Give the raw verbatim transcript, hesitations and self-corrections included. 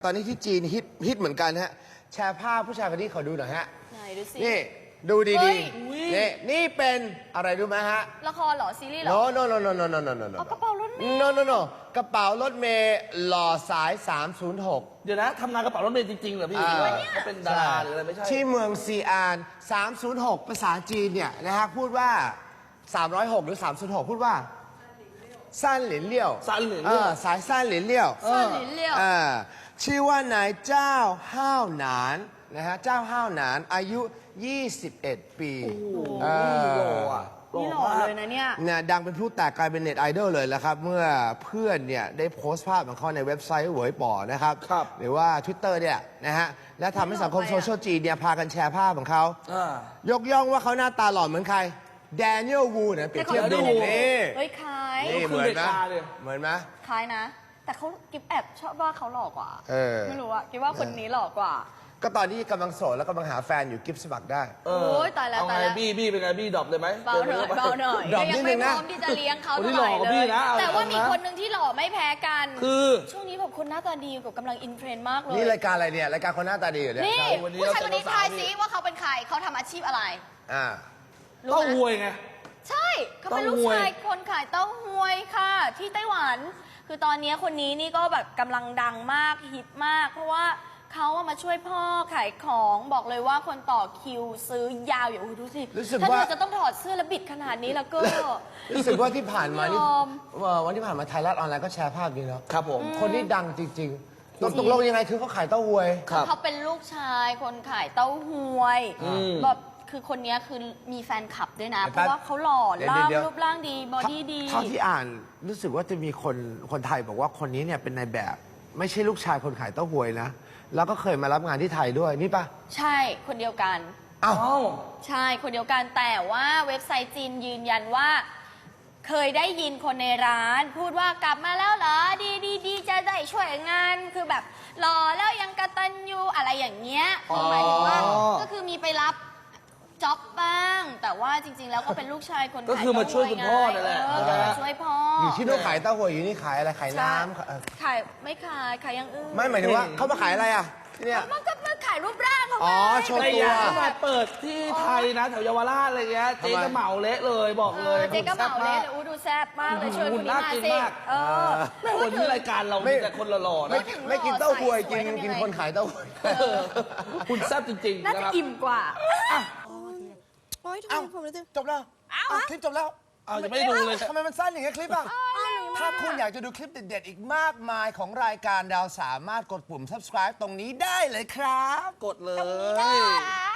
ตอนนี้ที่จีนฮิตฮิตเหมือนกันฮะแชร์ภาพผู้ชายคนนี้ขอดูหน่อยฮะไหนดูสินี่ดูเฮ้ดียๆนี่นี่เป็นอะไรรู้ไหมฮะละครเหรอ ซีรีส์เหรอ no no no no no no no no no เอากระเป๋ารถเมล์ no no no กระเป๋ารถเมล์หล่อสาย สามศูนย์หกเดี๋ยวนะทำงานกระเป๋ารถเมล์จริงๆเหรอพี่อ่าเขาเป็นดาราหรืออะไรไม่ใช่ที่เมืองซีอาน สามศูนย์หก ภาษาจีนเนี่ยนะฮะพูดว่า สามร้อยหก หรือ สามศูนย์หก พูดว่าสั้นหลินเลี่ยวสั้นหลินเลี่ยวออสายสั้นหลินเลี่ยวสั้นหลินเลี่ยวเออชื่อว่านายเจ้าห้าวหนานนะฮะเจ้าห้าวหนานอายุ ยี่สิบเอ็ด ปีเออหล่ออ่ะนี่หล่อเลยนะเนี่ยเนี่ยดังเป็นผู้แตกกลายเป็นเน็ตไอดอลเลยแล้วครับ เมื่อเพื่อนเนี่ยได้โพสต์ภาพของเขาในเว็บไซต์เหวยป่อนะครับครับหรือว่า Twitter เนี่ยนะฮะและทำให้สังคมโซเชียลจีนเนี่ยพากันแชร์ภาพของเขาอ่ายกย่องว่าเขาหน้าตาหล่อเหมือนใครแดเนียลวูนะเปรียบเทียบดูแต่เขาดูนี่เฮ้ยคล้ายนี่เหมือนไหมเขาคือเด็กตาเลยเหมือนไหมคล้ายนะ แต่เขากิฟแอบชอบว่าเขาหล่อกว่าเออไม่รู้อะกิฟว่าคนนี้หล่อกว่าก็ตอนนี้กำลังโสดแล้วกำลังหาแฟนอยู่กิฟต์สมัครได้เอโอ้ยตายแล้วเอตายไงแล้วบี้บี้เป็นไงบี้ดรอปเลยไหมเบาหน่อยเบาหน่อยดรอปก็ยันิดนึไม่งพนะร้อมที่จะเลี้ยงเขาคนที่เท่าไหร่หล่อกว่าเลพี่ยนะเอาแต่ว่ามีเอานะคนหนึ่งที่หล่อไม่แพ้กันคือช่วงนี้แบบคนหน้าตาดีกับกำลังอินเทรนด์มากเลยนี่รายการอะไรเนี่ยรายการคนหน้าตาดีเหรอเนี่ยนี่ใช่วันนี้ผู้ชายคนนี้เราเจอทายสาวๆซิว่าเขาเป็นใครเขาทำอาชีพอะไรอ่ารู้เต้าไหมหวยไงใช่เขาเป็นลูกเต้าหวยชายคนขายเต้าหวยค่ะ ที่ไต้หวัน คือตอนนี้คนนี้นี่ก็แบบกำลังดังมากฮิตมาก เพราะว่าเขาอะมาช่วยพ่อขายของบอกเลยว่าคนต่อคิวซื้อยาวอยู่ดูสิรู้สึกถ้าว่าเธอจะต้องถอดเสื้อและบิดขนาดนี้แล้วก็รู้สึกว่าที่ผ่านมานี่ยอมว่าวันที่ผ่านมาไทยรัฐออนไลน์ก็แชร์ภาพนี้เนาะครับผมคนนี้ดังจริงๆตกตกลงยังไงคือเขาขายเต้าหวยครับเขาเป็นลูกชายคนขายเต้าหวยอืมแบบคือคนนี้คือมีแฟนคลับด้วยนะเดี๋ยวเพราะว่าเขาหล่อเดี๋ยวล่างเดี๋ยวรูปร่างดีบอดี้ดีเท่าที่อ่านรู้สึกว่าจะมีคนคนไทยบอกว่าคนนี้เนี่ยเป็นนายแบบ ไม่ใช่ลูกชายคนขายเต้าหวยนะ แล้วก็เคยมารับงานที่ไทยด้วยนี่ปะใช่คนเดียวกันอ้าวเอ้าใช่คนเดียวกันแต่ว่าเว็บไซต์จีนยืนยันว่า เคยได้ยินคนในร้าน พูดว่ากลับมาแล้วเหรอดีดีดีจะได้ช่วยงานคือแบบรอแล้วยังกตัญญูอะไรอย่างเงี้ยคือหมายถึงว่าอ๋อก็คือมีไปรับจ็อบบ้าง แต่ว่าจริง ๆ แล้วก็เป็นลูกชายคนก็คือมาช่วยคุณพ่อนั่นแหละเออมาช่วยพ่อออยู่ที่นู่นขายเต้าหวยอยู่นี่ขายอะไรขายน้ำเอ่อขายไม่ขายขายอย่างอื่นไม่หมายถึงว่าเขามาขายอะไรอ่ะที่เนี่ยมันก็มาขายรูปร่างเขาอ๋อไงโชว์ไม่ตัวอยากให้มาเปิดที่ไทยนะแถวเยาวราชอะไรเงี้ยเจ๊ทำไมจะเหมาเละเลยบอกเอเลอย เจ๊ก็เหมาเลยอู้ดูแซ่บมากเลยชวนคนนี้มาหุ่นน่ากินสิมากเออแม่วันนี้รายการเรามีแต่คนหล่อๆไม่นะกินไม่กินเต้าหวยสกิวยนทำยังไงกินคนขายเต้าหวยเออคุณแซ่บจริงๆน่านะจะครับอิ่มกว่าโอ๊ยทำเอ้าไมผมรู้สึกจบแล้วอ้าวคลิปจบแล้วเอาจะไม่ดูเลยทำไมมันสั้นอย่างเงี้ยคลิปอ่ะ ถ้าคุณอยากจะดูคลิปเด็ดๆ อีกมากมายของรายการดาวสามารถกดปุ่ม subscribe ตรงนี้ได้เลยครับกดเลตรงนี้ยได้